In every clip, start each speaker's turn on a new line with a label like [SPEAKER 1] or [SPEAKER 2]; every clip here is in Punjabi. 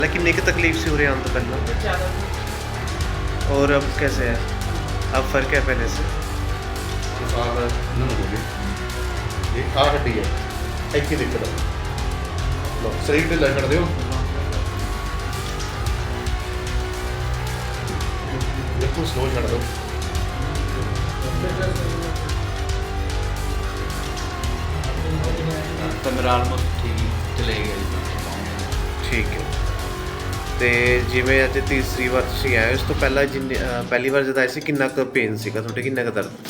[SPEAKER 1] कितनी की तकलीफ से हो रही है आम तो पहले
[SPEAKER 2] ज़्यादा
[SPEAKER 1] और अब कैसे है? अब फ़र्क है पहले से?
[SPEAKER 3] ਸਾਲ ਇਹਨਾਂ ਨੂੰ ਹੋ ਗਏ ਇਹ ਆਹ ਹੱਡੀ ਹੈ ਇੱਥੇ ਦਿੱਕਤ ਹੈ ਲੋ ਸਰੀਰ ਤੇ ਲੈ ਛੱਡ ਦਿਓ ਬਿਲਕੁਲ ਸਲੋ ਛੱਡ ਦਿਓ
[SPEAKER 4] ਤਾਂ ਮੇਰਾ ਆਲਮੋਸਟ ਠੀਕ ਚਲੇ ਗਿਆ ਜੀ
[SPEAKER 1] ਠੀਕ ਹੈ। ਤੇ ਜਿਵੇਂ ਅੱਜ ਤੀਸਰੀ ਵਾਰ ਤੁਸੀਂ ਆਏ ਉਸ ਤੋਂ ਪਹਿਲਾਂ ਜਿੰਨੀ ਪਹਿਲੀ ਵਾਰ ਜਦ ਆਏ ਸੀ ਕਿੰਨਾ ਕੁ ਪੇਨ ਸੀਗਾ ਤੁਹਾਡੇ, ਕਿੰਨਾ ਕੁ ਦਰਦ?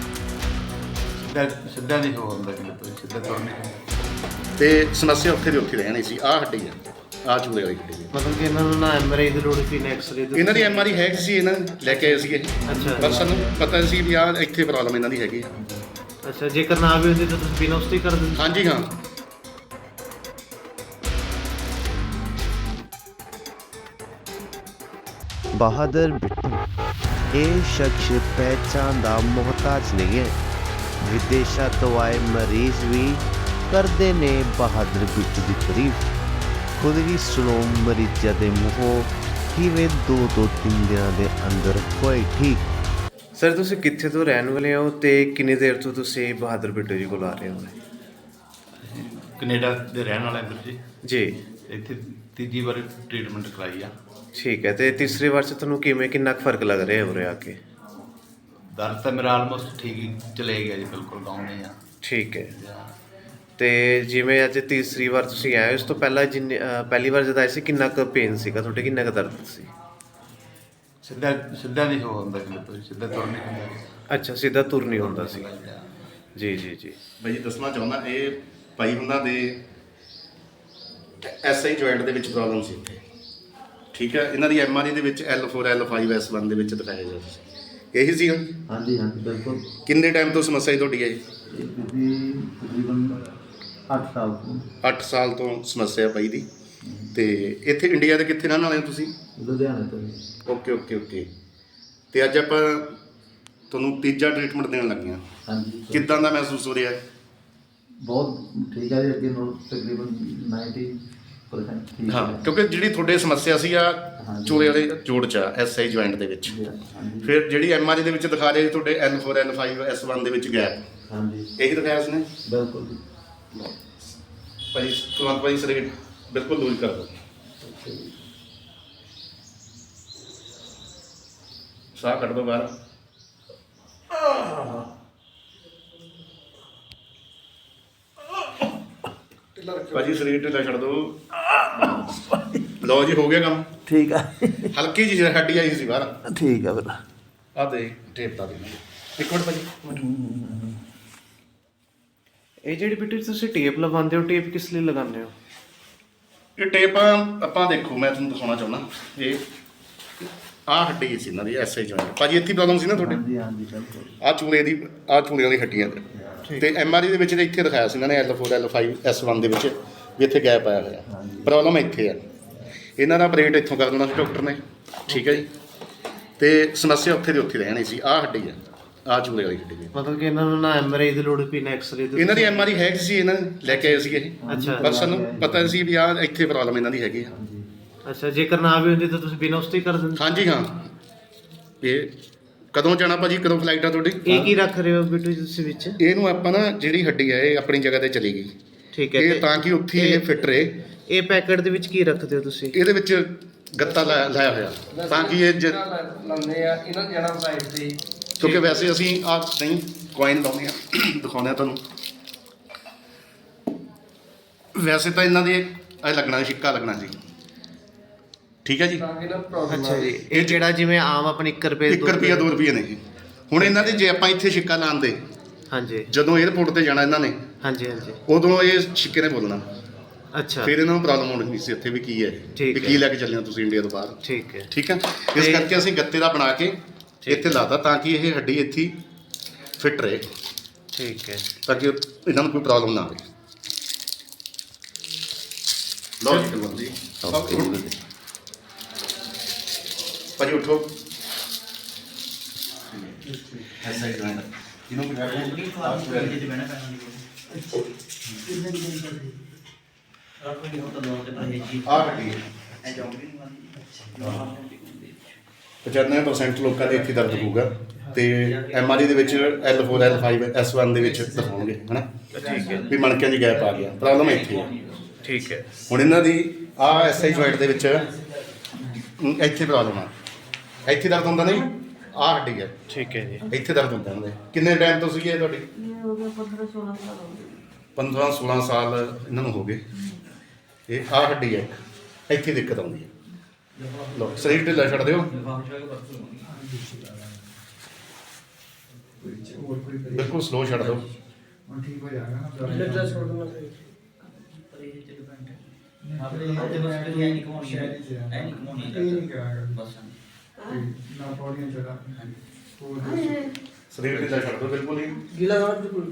[SPEAKER 4] ਸਿੱਧਾ ਨਹੀਂ ਹੋ ਹੁੰਦਾ ਕਿ ਸਿੱਧਾ ਤੁਰ ਨਹੀਂ ਹੁੰਦਾ।
[SPEAKER 3] ਤੇ ਸਮੱਸਿਆ ਉੱਥੇ ਦੀ ਉੱਥੇ ਰਹਿਣੀ ਸੀ ਆਹ ਹੱਡੀ ਹੈ ਆਹ ਚੂਲੇ ਵਾਲੀ ਹੱਡੀ ਹੈ
[SPEAKER 1] ਮਤਲਬ ਕਿ ਇਹਨਾਂ ਨੂੰ ਨਾ ਐਮਆਰਆਈ ਦੀ ਲੋੜ ਸੀ ਨਾ ਐਕਸਰੇ ਦੀ?
[SPEAKER 3] ਇਹਨਾਂ ਦੀ ਐਮਆਰਆਈ ਹੈ ਸੀ ਇਹਨਾਂ ਨੇ ਲੈ ਕੇ ਆਏ ਸੀਗੇ
[SPEAKER 1] ਅੱਛਾ
[SPEAKER 3] ਪਰ ਸਾਨੂੰ ਪਤਾ ਸੀ ਵੀ ਆਹ ਇੱਥੇ ਪ੍ਰੋਬਲਮ ਇਹਨਾਂ ਦੀ ਹੈਗੀ ਆ
[SPEAKER 1] ਅੱਛਾ, ਜੇਕਰ ਨਾ ਵੀ ਹੁੰਦੀ ਤਾਂ ਤੁਸੀਂ ਬਿਨਾਂ ਉਸ ਤੋਂ ਹੀ ਕਰ ਦਿੰਦੇ?
[SPEAKER 3] ਹਾਂਜੀ ਹਾਂ
[SPEAKER 5] ਬਹਾਦਰ ਬਿੱਟੂ ਇਹ ਸ਼ਖਸ ਪਹਿਚਾਣ ਦਾ ਮੁਹਤਾਜ ਨਹੀਂ ਹੈ। ਵਿਦੇਸ਼ਾਂ ਤੋਂ ਆਏ ਮਰੀਜ਼ ਵੀ ਕਰਦੇ ਨੇ ਬਹਾਦਰ ਬਿੱਟੂ ਦੀ ਤਾਰੀਫ। ਖੁਦ ਵੀ ਸੁਣੋ ਮਰੀਜ਼ਾਂ ਦੇ ਮੂੰਹੋਂ ਕਿਵੇਂ 2-3 ਦਿਨਾਂ ਦੇ ਅੰਦਰ ਹੋਏ ਠੀਕ।
[SPEAKER 1] ਸਰ ਤੁਸੀਂ ਕਿੱਥੇ ਤੋਂ ਰਹਿਣ ਵਾਲੇ ਹੋ ਤੇ ਕਿੰਨੀ ਦੇਰ ਤੋਂ ਤੁਸੀਂ ਬਹਾਦਰ ਬਿੱਟੂ ਜੀ ਕੋਲ ਆ ਰਹੇ ਹੋ?
[SPEAKER 4] ਕੈਨੇਡਾ ਦੇ ਰਹਿਣ ਵਾਲਾ ਵੀਰ ਜੀ,
[SPEAKER 1] ਜੀ
[SPEAKER 4] ਇੱਥੇ ਤੀਜੀ ਵਾਰ ਟ੍ਰੀਟਮੈਂਟ ਕਰਾਈ ਆ।
[SPEAKER 1] ਠੀਕ ਹੈ। ਤੇ ਤੀਸਰੀ ਵਾਰ 'ਚ ਤੁਹਾਨੂੰ ਕਿੰਨਾ ਕੁ ਫਰਕ ਲੱਗ ਰਿਹਾ ਉਰੇ ਆ ਕੇ?
[SPEAKER 4] ਦਰਦ ਤਾਂ ਮੇਰਾ ਆਲਮੋਸਟ ਠੀਕ ਹੀ ਚਲੇ ਗਿਆ ਜੀ, ਬਿਲਕੁਲ ਡਾਊਨ ਨਹੀਂ ਆ।
[SPEAKER 1] ਠੀਕ ਹੈ। ਤੇ ਜਿਵੇਂ ਅੱਜ ਤੀਸਰੀ ਵਾਰ ਤੁਸੀਂ ਆਏ ਉਸ ਤੋਂ ਪਹਿਲਾਂ ਜਿੰਨੀ ਪਹਿਲੀ ਵਾਰ ਜਦ ਆਏ ਸੀ ਕਿੰਨਾ ਕੁ ਪੇਨ ਸੀਗਾ ਤੁਹਾਡੇ, ਕਿੰਨਾ ਕੁ ਦਰਦ ਸੀ?
[SPEAKER 4] ਸਿੱਧਾ ਨਹੀਂ ਹੋ ਹੁੰਦਾ ਕਿ ਸਿੱਧਾ ਤੁਰ ਨਹੀਂ ਹੁੰਦਾ।
[SPEAKER 1] ਅੱਛਾ, ਸਿੱਧਾ ਤੁਰ ਨਹੀਂ ਹੁੰਦਾ ਸੀ। ਜੀ ਜੀ ਜੀ।
[SPEAKER 3] ਬਾਈ ਜੀ ਦੱਸਣਾ ਚਾਹੁੰਦਾ ਇਹ ਭਾਈ ਉਹਨਾਂ ਦੇ ਐਸਆਈ ਜੁਆਇੰਟ ਦੇ ਵਿੱਚ ਪ੍ਰੋਬਲਮ ਸੀ ਇੱਥੇ ਠੀਕ ਹੈ। ਇਹਨਾਂ ਦੀ ਐਮਆਰਆਈ ਦੇ ਵਿੱਚ L4 L5 S1 ਦੇ ਵਿੱਚ ਦਿਖਾਇਆ ਜਾ ਸੀ ਇਹੀ ਸੀ
[SPEAKER 6] ਹਾਂਜੀ ਹਾਂਜੀ ਬਿਲਕੁਲ।
[SPEAKER 3] ਕਿੰਨੇ ਟਾਈਮ ਤੋਂ ਸਮੱਸਿਆ ਸੀ ਤੁਹਾਡੀ ਇਹ?
[SPEAKER 6] ਇਹ ਬੀਬੀ ਤਕਰੀਬਨ 8 ਸਾਲ ਤੋਂ
[SPEAKER 3] 8 ਸਾਲ ਤੋਂ ਸਮੱਸਿਆ ਪਈ ਦੀ ਤੇ ਇੱਥੇ ਇੰਡੀਆ ਦੇ ਕਿੱਥੇ ਰਹਿਣ ਵਾਲੇ ਹੋ ਤੁਸੀਂ?
[SPEAKER 6] ਲੁਧਿਆਣੇ ਤੋਂ ਜੀ।
[SPEAKER 3] Okay okay okay. ਤੇ ਅੱਜ ਆਪਾਂ ਤੁਹਾਨੂੰ ਤੀਜਾ ਟ੍ਰੀਟਮੈਂਟ ਦੇਣ ਲੱਗੇ ਹਾਂ
[SPEAKER 6] ਹਾਂਜੀ
[SPEAKER 3] ਕਿੱਦਾਂ ਦਾ ਮਹਿਸੂਸ ਹੋ ਰਿਹਾ ਹੈ?
[SPEAKER 6] ਬਹੁਤ ਠੀਕ ਹੈ ਜੀ, ਅੱਗੇ ਨਾਲੋਂ ਤਕਰੀਬਨ 90% ਠੀਕ
[SPEAKER 3] ਹਾਂ
[SPEAKER 6] ਹੈ।
[SPEAKER 3] ਕਿਉਂਕਿ ਜਿਹੜੀ ਤੁਹਾਡੇ ਸਮੱਸਿਆ ਸੀ ਆ
[SPEAKER 6] ਹਾਂਜੀ।
[SPEAKER 3] ਚੂਲੇ ਵਾਲੇ ਜੋੜ ਚ ਐਸਆਈ ਜੁਆਇੰਟ ਦੇ ਵਿੱਚ
[SPEAKER 6] ਜੀ, ਹਾਂਜੀ
[SPEAKER 3] ਫਿਰ ਜਿਹੜੀ ਐਮਆਰਆਈ ਦੇ ਵਿੱਚ ਦਿਖਾ ਰਿਹਾ ਜੀ ਤੁਹਾਡੇ L4 L5 S1 ਦੇ ਵਿੱਚ ਗੈਪ
[SPEAKER 6] ਹਾਂਜੀ
[SPEAKER 3] ਇਹੀ ਦਿਖਾਇਆ ਉਸਨੇ?
[SPEAKER 6] ਬਿਲਕੁਲ ਜੀ।
[SPEAKER 3] ਭਾਈ ਤੁਰੰਤ ਭਾਈ ਸਰੀਰ ਬਿਲਕੁਲ ਦੂਰ ਕਰ ਦਿਓ ਸਾਹ ਕੱਢ ਦਿਓ ਬਾਹਰ ਭਾਜੀ ਸਰੀਰ ਢਿੱਲਾ ਛੱਡ ਦਿਓ ਲਓ ਜੀ ਹੋ ਗਿਆ ਕੰਮ
[SPEAKER 6] ਠੀਕ ਆ
[SPEAKER 3] ਹਲਕੀ ਜਿਹੀ ਹੱਡੀ ਆਈ ਸੀ ਬਾਹਰ
[SPEAKER 6] ਠੀਕ ਆ ਫਿਰ।
[SPEAKER 3] ਆ ਦੇ ਟੇਪ ਤਾ ਦੇ ਇੱਕ ਮਿੰਟ ਭਾਜੀ
[SPEAKER 1] ਇਹ ਜਿਹੜੀ ਬਿੱਟੂ ਤੁਸੀਂ ਟੇਪ ਲਗਾਉਂਦੇ ਹੋ, ਟੇਪ ਕਿਸ ਲਈ ਲਗਾਉਂਦੇ ਹੋ?
[SPEAKER 3] ਇਹ ਟੇਪ ਆਪਾਂ ਦੇਖੋ ਮੈਂ ਤੁਹਾਨੂੰ ਦਿਖਾਉਣਾ ਚਾਹੁੰਦਾ ਇਹ ਆਹ ਹੱਡੀ ਸੀ ਇਹਨਾਂ ਦੀ ਐਸਆਈ ਜੁਆਇੰਟ ਭਾਜੀ ਇੱਥੇ ਪ੍ਰੋਬਲਮ ਸੀ ਨਾ ਤੁਹਾਡੇ
[SPEAKER 6] ਹਾਂਜੀ ਹਾਂਜੀ ਬਿਲਕੁਲ।
[SPEAKER 3] ਆਹ ਚੂਲੇ ਵਾਲੀ ਹੱਡੀਆਂ ਤੇ ਐਮਆਰਆਈ ਦੇ ਵਿੱਚ ਇੱਥੇ ਦਿਖਾਇਆ ਸੀ ਇਹਨਾਂ ਨੇ L4 L5 S1 ਦੇ ਵਿੱਚ ਵੀ ਇੱਥੇ ਗੈਪ ਆਇਆ ਹੋਇਆ ਪ੍ਰੋਬਲਮ ਇੱਥੇ ਆ ਇਹਨਾਂ ਦਾ ਆਪਰੇਟ ਇੱਥੋਂ ਕਰ ਦੇਣਾ ਸੀ ਡਾਕਟਰ ਨੇ ਠੀਕ ਹੈ ਜੀ ਤੇ ਸਮੱਸਿਆ ਉੱਥੇ ਦੀ ਉੱਥੇ ਰਹਿਣੀ ਸੀ ਆਹ ਹੱਡੀ ਹੈ ਆਹ ਚੂਲੇ ਵਾਲੀ ਹੱਡੀ
[SPEAKER 1] ਮਤਲਬ ਕਿ ਇਹਨਾਂ ਨੂੰ ਨਾ ਐਮਆਰਆਈ ਦੀ ਲੋੜ ਪਈ ਨਾ ਐਕਸਰੇ ਦੀ?
[SPEAKER 3] ਇਹਨਾਂ ਦੀ ਐਮਆਰਆਈ ਹੈ ਸੀ ਇਹਨਾਂ ਨੇ ਲੈ ਕੇ ਆਏ ਸੀਗੇ
[SPEAKER 1] ਅੱਛਾ
[SPEAKER 3] ਪਰ ਸਾਨੂੰ ਪਤਾ ਸੀ ਵੀ ਆਹ ਇੱਥੇ ਪ੍ਰੋਬਲਮ ਇਹਨਾਂ ਦੀ ਹੈਗੀ ਆ
[SPEAKER 1] ਅੱਛਾ, ਜੇਕਰ ਨਾ ਵੀ ਹੁੰਦੀ ਤਾਂ ਤੁਸੀਂ ਬਿਨਾਂ ਉਸ ਤੋਂ ਹੀ ਕਰ ਦਿੰਦੇ?
[SPEAKER 3] ਹਾਂਜੀ ਹਾਂ। ਇਹ ਕਦੋਂ ਜਾਣਾ ਭਾਜੀ, ਕਦੋਂ ਫਲਾਈਟ ਆ ਤੁਹਾਡੀ?
[SPEAKER 1] ਇਹ ਕੀ ਰੱਖ ਰਹੇ ਹੋ ਬਿੱਟੂ ਜੀ ਤੁਸੀਂ ਵਿੱਚ?
[SPEAKER 3] ਇਹਨੂੰ ਆਪਾਂ ਨਾ ਜਿਹੜੀ ਹੱਡੀ ਹੈ ਇਹ ਆਪਣੀ ਜਗ੍ਹਾ ਤੇ ਚਲੀ ਗਈ
[SPEAKER 1] ਠੀਕ ਹੈ।
[SPEAKER 3] ਇਹ ਤਾਂ ਕਿ ਉੱਥੇ ਇਹ ਫਿੱਟ ਰਹੇ।
[SPEAKER 1] ਇਹ ਪੈਕਟ ਦੇ ਵਿੱਚ ਕੀ ਰੱਖਦੇ ਹੋ ਤੁਸੀਂ?
[SPEAKER 3] ਇਹਦੇ ਵਿੱਚ ਗੱਤਾ ਲਾਇਆ ਹੋਇਆ ਤਾਂ ਕਿ ਇਹ
[SPEAKER 2] ਲਾਉਂਦੇ ਆ ਇਹਨਾਂ ਜਾਣਾ ਸਾਈਡ ਤੇ।
[SPEAKER 3] ਕਿਉਂਕਿ ਵੈਸੇ ਅਸੀਂ ਆ ਨਹੀਂ ਕੋਇਨ ਲਾਉਂਦੇ ਆ ਦਿਖਾਉਂਦੇ ਆ ਤੁਹਾਨੂੰ ਵੈਸੇ ਤਾਂ ਇਹਨਾਂ ਦੇ ਇਹ ਲੱਗਣਾ ਸਿੱਕਾ ਲੱਗਣਾ ਸੀ ਠੀਕ ਹੈ ਜੀ।
[SPEAKER 2] ਤਾਂ ਕਿ ਨਾ ਪ੍ਰੋਬਲਮ
[SPEAKER 1] ਅੱਛਾ ਜੀ। ਇਹ ਜਿਹੜਾ ਜਿਵੇਂ ਆਮ ਆਪਣੀ 1 ਰੁਪਏ
[SPEAKER 3] 1 ਰੁਪਿਆ 2 ਰੁਪਏ ਨਹੀਂ ਹੁਣ ਇਹਨਾਂ ਦੇ ਜੇ ਆਪਾਂ ਇੱਥੇ ਸਿੱਕਾ ਲਾਉਂਦੇ
[SPEAKER 1] ਹਾਂਜੀ
[SPEAKER 3] ਜਦੋਂ 에어ਪੋਰਟ ਤੇ ਜਾਣਾ ਇਹਨਾਂ ਨੇ
[SPEAKER 1] ਹਾਂਜੀ ਹਾਂਜੀ।
[SPEAKER 3] ਉਦੋਂ ਇਹ ਸਿੱਕੇ ਨੇ ਬੋਲਣਾ
[SPEAKER 1] ਅੱਛਾ
[SPEAKER 3] ਫਿਰ ਇਹਨਾਂ ਨੂੰ ਪ੍ਰੋਬਲਮ ਹੋਣੀ ਸੀ ਇੱਥੇ ਵੀ ਕੀ ਹੈ
[SPEAKER 1] ਠੀਕ
[SPEAKER 3] ਵੀ
[SPEAKER 1] ਹੈ।
[SPEAKER 3] ਕੀ ਲੈ ਕੇ ਚੱਲੇ ਹੋ ਤੁਸੀਂ ਇੰਡੀਆ ਤੋਂ ਬਾਹਰ
[SPEAKER 1] ਠੀਕ ਹੈ
[SPEAKER 3] ਠੀਕ ਹੈ। ਇਸ ਕਰਕੇ ਅਸੀਂ ਗੱਤੇ ਦਾ ਬਣਾ ਕੇ ਇੱਥੇ ਲਾਤਾ ਤਾਂ ਕਿ ਇਹ ਹੱਡੀ ਇੱਥੇ ਫਿੱਟ ਰਹੇ
[SPEAKER 1] ਠੀਕ ਹੈ।
[SPEAKER 3] ਤਾਂ ਕਿ ਇਹਨਾਂ ਨੂੰ ਕੋਈ ਪ੍ਰੋਬਲਮ ਨਾ ਆਵੇ ਲਓ ਜੀ ਕੁਲਵੰਤ ਜੀ ਭਾਜੀ ਉਠੋ ਐਸਾ ਹੀ ਰਹਿਣਾ ਇਹਨੂੰ ਵੀ ਆ ਹੱਡੀ ਹੈ 95% ਲੋਕਾਂ ਦੇ ਇੱਥੇ ਦਰਦ ਹੋਊਗਾ ਤੇ ਐਮਆਰਆਈ ਦੇ ਵਿੱਚ L4 L5 S1 ਦੇ ਵਿੱਚ ਦਿਖਾਉਣਗੇ ਹਨਾ
[SPEAKER 1] ਠੀਕ ਹੈ
[SPEAKER 3] ਵੀ ਮਣਕਿਆਂ ਦੀ ਗੈਪ ਆ ਗਿਆ ਪ੍ਰੋਬਲਮ ਇੱਥੇ ਹੈ
[SPEAKER 1] ਠੀਕ ਹੈ
[SPEAKER 3] ਹੁਣ ਇਹਨਾਂ ਦੀ ਆ ਐਸਆਈ ਜੁਆਇੰਟ ਦੇ ਵਿੱਚ ਇੱਥੇ ਪ੍ਰੋਬਲਮ ਆ ਇੱਥੇ ਦਰਦ ਹੁੰਦਾ ਨਹੀਂ ਆ ਹੱਡੀ ਹੈ
[SPEAKER 1] ਠੀਕ ਹੈ ਜੀ
[SPEAKER 3] ਇੱਥੇ ਦਰਦ ਹੁੰਦਾ ਇਹਨਾਂ ਦੇ ਕਿੰਨੇ ਟਾਈਮ ਤੋਂ ਸੀਗੇ ਤੁਹਾਡੀ 15-16 ਸਾਲ ਇਹਨਾਂ ਨੂੰ ਹੋ ਗਏ ਇਹ ਆ ਹੱਡੀ ਹੈ ਇੱਥੇ ਦਿੱਕਤ ਆਉਂਦੀ ਹੈ ਲੋ ਸਰੀਰ ਢਿੱਲਾ ਛੱਡ ਦਿਓ ਬਿਲਕੁਲ ਸਲੋ ਛੱਡ ਦਿਓ
[SPEAKER 2] ਬਲੱਡ ਛੋੜ ਦੇਣਾ ਸਹੀ
[SPEAKER 3] ਸਰੀਰ ਢਿੱਲਾ ਛੱਡ ਦਿਓ ਬਿਲਕੁਲ ਹੀ
[SPEAKER 2] ਗੀਲਾ ਗਾਣਾ ਬਿਲਕੁਲ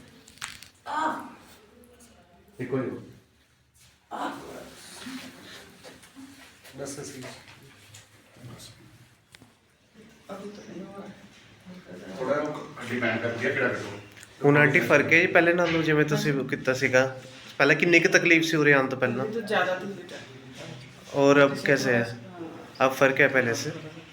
[SPEAKER 3] ਇੱਕੋ ਹੀ
[SPEAKER 2] ਬਸ ਅਸੀਂ
[SPEAKER 3] ਥੋੜਾ ਹੱਡੀ ਬੈਂਡ ਕਰ ਦਿਆ ਕਿਹੜਾ ਕੱਟੋ
[SPEAKER 1] ਹੁਣ ਆਂਟੀ ਫਰਕ ਹੈ ਜੀ ਪਹਿਲੇ ਨਾਲੋਂ ਜਿਵੇਂ ਤੁਸੀਂ ਕੀਤਾ ਸੀਗਾ ਪਹਿਲਾਂ ਕਿੰਨੀ ਕੁ ਤਕਲੀफ ਸੀ उरे आने तो पहले
[SPEAKER 7] तो ज़्यादा तकलीफ है।
[SPEAKER 1] और अब कैसे है अब फर्क है पहले से